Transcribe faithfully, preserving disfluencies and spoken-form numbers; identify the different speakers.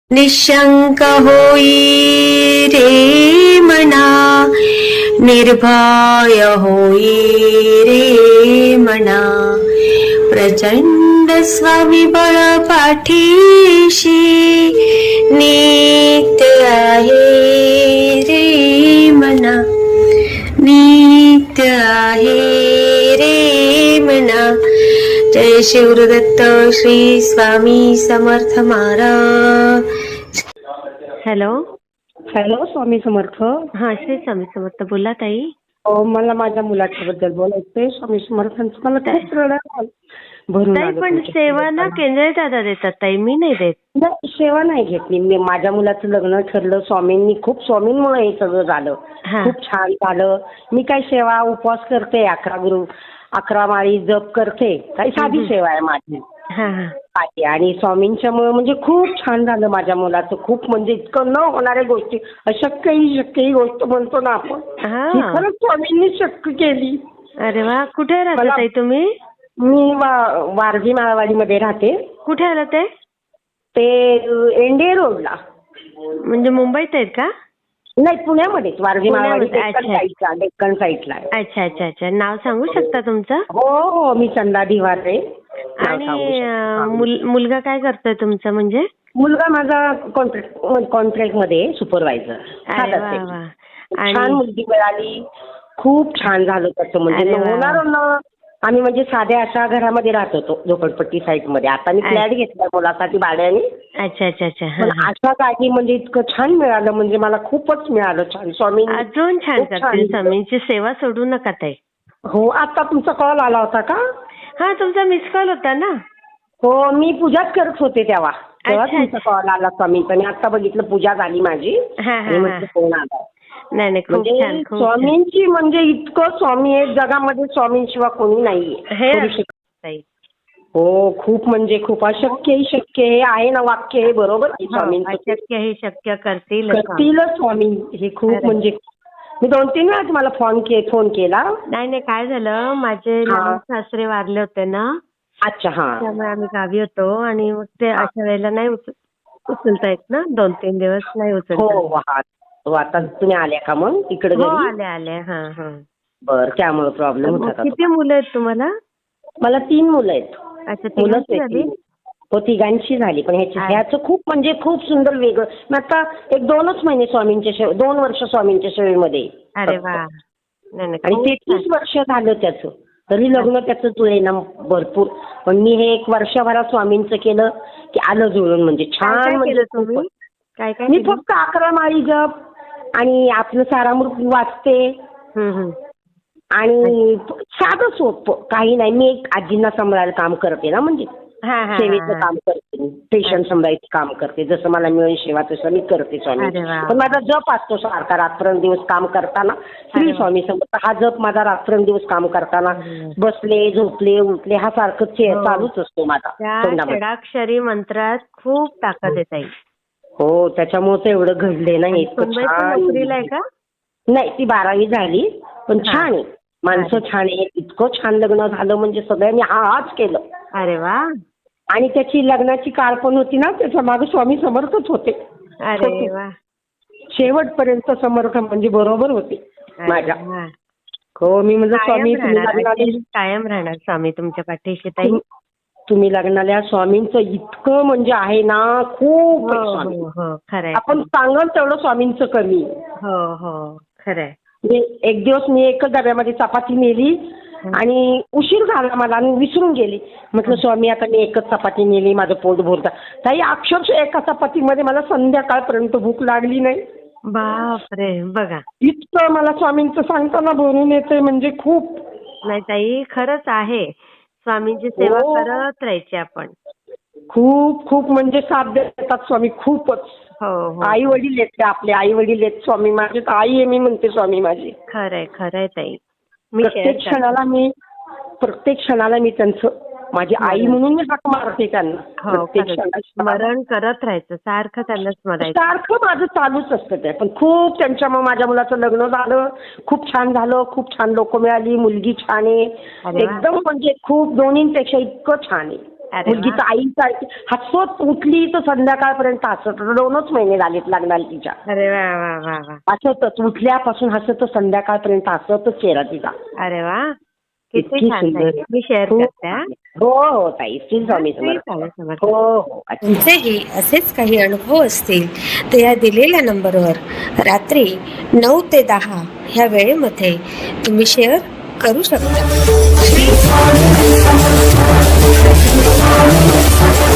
Speaker 1: निशंक होई रे मना, निर्भय होई रे मना, प्रचंड स्वविबळ पाठीशी नित्य आहे रे मना, नित्य आहे रे मना. जय शिवदत्त श्री स्वामी समर्थ महाराज. Hello
Speaker 2: hello, Swami Samarth.
Speaker 1: हा, श्री स्वामी समर्थ. बोला ताई.
Speaker 2: अहो, मला माझ्या मुलाच्या बद्दल बोलायचंय. स्वामी समर्थांचं मला खूप रडत आलं. भरून
Speaker 1: ताई
Speaker 2: आलं
Speaker 1: पण
Speaker 2: तुमच्या
Speaker 1: सेवा ना
Speaker 2: शब्दाला.
Speaker 1: केंद्रीय दादा देतात ताई, मी नाही देत.
Speaker 2: नाही, सेवा नाही घेतली मी. माझ्या मुलाचं लग्न ठरलं स्वामींनी, खूप स्वामींमुळे हे सगळं झालं.
Speaker 1: हा.
Speaker 2: खूप छान झालं. मी काही सेवा उपवास करते, अकरा गुरु अकरा माळी जप करते. काही साधी सेवा आहे माझी.
Speaker 1: हा हा
Speaker 2: आहे. आणि स्वामींच्यामुळे म्हणजे खूप छान झालं माझ्या मुलाचं. खूप म्हणजे इतकं न होणाऱ्या गोष्टी, अशक्य ही शक्य ही गोष्ट म्हणतो ना आपण,
Speaker 1: हा.
Speaker 2: ही खरंच स्वामींनी शक्य केली.
Speaker 1: अरे वा. कुठे राहता
Speaker 2: मला-
Speaker 1: ताई तुम्ही?
Speaker 2: मी वा- वारजी माळवाडीमध्ये राहते.
Speaker 1: कुठे आलं ते?
Speaker 2: ते एनडीए रोडला.
Speaker 1: म्हणजे मुंबईत आहेत का?
Speaker 2: नाही, पुण्यामध्येच. वारजी माळवाडी
Speaker 1: पुण्यामध्ये.
Speaker 2: डेक्कन
Speaker 1: अच्छा.
Speaker 2: साईडला डेक्कन साईडला आहे.
Speaker 1: अच्छा अच्छा अच्छा. नाव सांगू शकता तुमचं?
Speaker 2: हो हो, मी चंदा दिवारे. नाव सांगू
Speaker 1: आणि
Speaker 2: शकते.
Speaker 1: अं, मुल- मुलगा काय करतोय तुमचा? म्हणजे
Speaker 2: मुलगा माझा कॉन्ट्रॅक्ट कॉन्ट्रॅक्ट मध्ये सुपरवायझर.
Speaker 1: अरे वा वा.
Speaker 2: छान
Speaker 1: आणि
Speaker 2: मुलगी मिळाली. खूप छान झालं त्याचं. म्हणजे
Speaker 1: अरे वा.
Speaker 2: होणार ना. आम्ही म्हणजे साध्या अशा घरामध्ये राहत होतो, झोपडपट्टी साईड मध्ये. आता मी फ्लॅट घेतला मुलासाठी भाड्याने.
Speaker 1: अच्छा अच्छा अच्छा. हा,
Speaker 2: पण
Speaker 1: हा.
Speaker 2: अशा जागी म्हणजे इतकं छान मिळालं, म्हणजे मला खूपच मिळालं छान. स्वामी
Speaker 1: अजून छान
Speaker 2: खूप
Speaker 1: करतील.
Speaker 2: छान.
Speaker 1: स्वामींची सेवा सोडू नका ताई.
Speaker 2: हो, आता तुमचा कॉल आला होता का?
Speaker 1: हा, तुमचा मिस कॉल होता ना.
Speaker 2: हो, मी पूजाच करत होते तेव्हा. तेव्हा
Speaker 1: अच्छा,
Speaker 2: तुमचा कॉल आला स्वामींचा. मी आता बघितलं पूजा झाली माझी.
Speaker 1: हा हा
Speaker 2: आणि
Speaker 1: हा.
Speaker 2: म्हटलं फोन आला.
Speaker 1: नाही नाही, खूप छान
Speaker 2: म्हणजे
Speaker 1: खूप छान.
Speaker 2: स्वामींची म्हणजे इतकं स्वामी आहे जगामध्ये, स्वामींशिवाय कोणी नाहीये.
Speaker 1: हे
Speaker 2: करू शकत.
Speaker 1: ताई.
Speaker 2: हो, खूप म्हणजे खूप. अशक्य ही शक्य हे आहे ना वाक्य, हे बरोबर आहे
Speaker 1: हो,
Speaker 2: स्वामींचं.
Speaker 1: अशक्य हे शक्य करतील.
Speaker 2: करतीलच स्वामी. हे खूप
Speaker 1: खरं.
Speaker 2: म्हणजे मी दोन तीन वेळा तुम्हाला फोन के फोन केला.
Speaker 1: नाही नाही, काय झालं, माझे
Speaker 2: हा.
Speaker 1: लहान सासरे वारले होते ना,
Speaker 2: अच्छा. हा.
Speaker 1: त्यामुळे आम्ही गावी होतो आणि मग ते अशा वेळेला नाही उचल उचलता येत ना, दोन तीन दिवस नाही
Speaker 2: हो
Speaker 1: उचलता येत.
Speaker 2: हो, हा. हो, आता तुम्ही आल्या का मग इकडे
Speaker 1: हो,
Speaker 2: घरी?
Speaker 1: आले आले. हा हा.
Speaker 2: बर, त्यामुळे प्रॉब्लेम
Speaker 1: मग
Speaker 2: होता का
Speaker 1: किती
Speaker 2: तुम्हाला?
Speaker 1: मुलं आहेत तुम्हाला?
Speaker 2: मला तीन मुलं आहेत.
Speaker 1: अच्छा,
Speaker 2: मुलंच
Speaker 1: तिघांची
Speaker 2: आहेत
Speaker 1: झाली?
Speaker 2: तीन. हो, तिघांची झाली. पण ह्याची
Speaker 1: आ-
Speaker 2: ह्याचं खूप म्हणजे खूप सुंदर वेगळं. मी आता एक दोनच महिने स्वामींच्या सेवे, दोन वर्ष स्वामींच्या सेवेमध्ये.
Speaker 1: अरे
Speaker 2: फक्त.
Speaker 1: वा. नाही नाही,
Speaker 2: आणि
Speaker 1: खूप
Speaker 2: तेहतीस
Speaker 1: छान.
Speaker 2: वर्ष झालं त्याचं. तरी लग्न त्याचं जुळे ना भरपूर. पण मी हे एक वर्षभरात स्वामींचं केलं की आलं जुळून. म्हणजे
Speaker 1: काय
Speaker 2: छान
Speaker 1: काय
Speaker 2: म्हणजे
Speaker 1: केलं
Speaker 2: खूप.
Speaker 1: तुम्ही? काय काय
Speaker 2: मी
Speaker 1: केलं?
Speaker 2: फक्त अकरा माळी जप आणि आपलं सारामृत वाचते.
Speaker 1: हम्म हम्म.
Speaker 2: आणि साधं सोपं काही नाही. मी एक आजींना सांभाळायला काम करते ना, म्हणजे
Speaker 1: हा हा
Speaker 2: सेवेचं
Speaker 1: हा.
Speaker 2: काम करते, पेशंट सांभाळायचं काम करते. जसं मला मिळेल सेवा तसं मी करते स्वामी.
Speaker 1: अरे वा.
Speaker 2: पण माझा जप असतो सारखा रात्रंदिवस काम करताना. श्री
Speaker 1: अरे वा.
Speaker 2: स्वामी समर्थ हा जप माझा रात्रंदिवस काम करताना,
Speaker 1: हम्म.
Speaker 2: बसले झोपले उठले हा सारखं चे-
Speaker 1: हो.
Speaker 2: चालूच असतो माझा
Speaker 1: त्या
Speaker 2: तोंडामध्ये.
Speaker 1: षडाक्षरी मंत्रात खूप ताकद आहे ताई.
Speaker 2: हो, त्याच्यामुळे तर एवढं घडले ना हे. इतकं
Speaker 1: सुनबाई पण
Speaker 2: छान.
Speaker 1: नोकरीला आहे का?
Speaker 2: नाही, ती बारावी झाली. पण
Speaker 1: हा.
Speaker 2: छान आहे. माणसं छान आहे. इतकं छान लग्न झालं म्हणजे सगळ्यांनी हा हाच केलं.
Speaker 1: अरे वा.
Speaker 2: आणि त्याची लग्नाची काळ पण होती ना, त्याच्या मागे स्वामी समर्थच होते.
Speaker 1: अरे वा.
Speaker 2: शेवटपर्यंत समर्थ म्हणजे बरोबर होते
Speaker 1: अरे
Speaker 2: माझ्या.
Speaker 1: वा.
Speaker 2: हो, मी म्हणजे
Speaker 1: कायम
Speaker 2: स्वामी तुम्ही
Speaker 1: राहणार,
Speaker 2: लग्नाला
Speaker 1: अशीच कायम राहणार स्वामी तुमच्या पाठीशी ताई.
Speaker 2: तुम- तुम्ही लग्नाला स्वामींचं इतकं म्हणजे आहे ना, खूप आहे
Speaker 1: हो
Speaker 2: स्वामी.
Speaker 1: हो हो, खरंय.
Speaker 2: आपण सांगाल तेवढं स्वामींचं कमी.
Speaker 1: हो हो, खरंय.
Speaker 2: म्हणजे एक दिवस मी एकच डब्यामध्ये चपाती नेली आणि उशीर झाला मला आणि विसरून गेली. म्हटलं स्वामी आता मी एकच चपाती नेली, माझं पोट भरतं. ताई अक्षरशः एका चपातीमध्ये मला संध्याकाळपर्यंत भूक लागली नाही.
Speaker 1: बापरे, बघा.
Speaker 2: इतकं मला स्वामींचं सांगताना भरून येते म्हणजे खूप.
Speaker 1: नाही ताई, खरंच आहे. स्वामींची सेवा
Speaker 2: हो.
Speaker 1: करत राहायची आपण.
Speaker 2: खूप खूप म्हणजे साथ देतात स्वामी खूपच.
Speaker 1: हो हो,
Speaker 2: आई वडील आहेत ते आपले, आई वडील आहेत स्वामी माझे. तर आई आहे मी म्हणते स्वामी माझी.
Speaker 1: खरंय खरंय ताई. मी
Speaker 2: प्रत्येक
Speaker 1: share करते.
Speaker 2: क्षणाला मी प्रत्येक क्षणाला मी त्यांचं माझी आई म्हणून मी हाक मारते त्यांना.
Speaker 1: हो,
Speaker 2: प्रत्येक
Speaker 1: खरंच.
Speaker 2: क्षणाला
Speaker 1: स्मरण करत राहायचं, सारखं त्यांना स्मरायचं.
Speaker 2: सारखं माझं चालूच असतं ते. पण खूप त्यांच्यामुळे माझ्या मुलाचं लग्न झालं. खूप छान झालं. खूप छान लोक मिळाली. मुलगी छान आहे.
Speaker 1: अरे वा.
Speaker 2: एकदम म्हणजे खूप दोन्हींपेक्षा इतकं छान आहे.
Speaker 1: अरे वा.
Speaker 2: मुलगीचं आईसारखी हसत उठली तर संध्याकाळपर्यंत हसत. दोनच महिने झालेत लग्नाला तिच्या.
Speaker 1: अरे वा वा वा वा.
Speaker 2: हसतच उठल्यापासून हसत संध्याकाळपर्यंत हसतच चेहरा तिचा.
Speaker 1: अरे वा, किती
Speaker 2: इतकी
Speaker 1: छान
Speaker 2: सुंदर.
Speaker 1: ताई. मी शेअर
Speaker 2: हो
Speaker 1: करते हा.
Speaker 2: हो हो ताई, श्री स्वामी
Speaker 1: श्री
Speaker 2: समर्थ.
Speaker 1: स्वामी समर्थ.
Speaker 2: हो हो अच्छा.
Speaker 3: तुमचेही असेच काही अनुभव असतील तर या दिलेल्या नंबरवर रात्री नऊ ते दहा ह्या वेळेमध्ये तुम्ही शेअर करू शकता.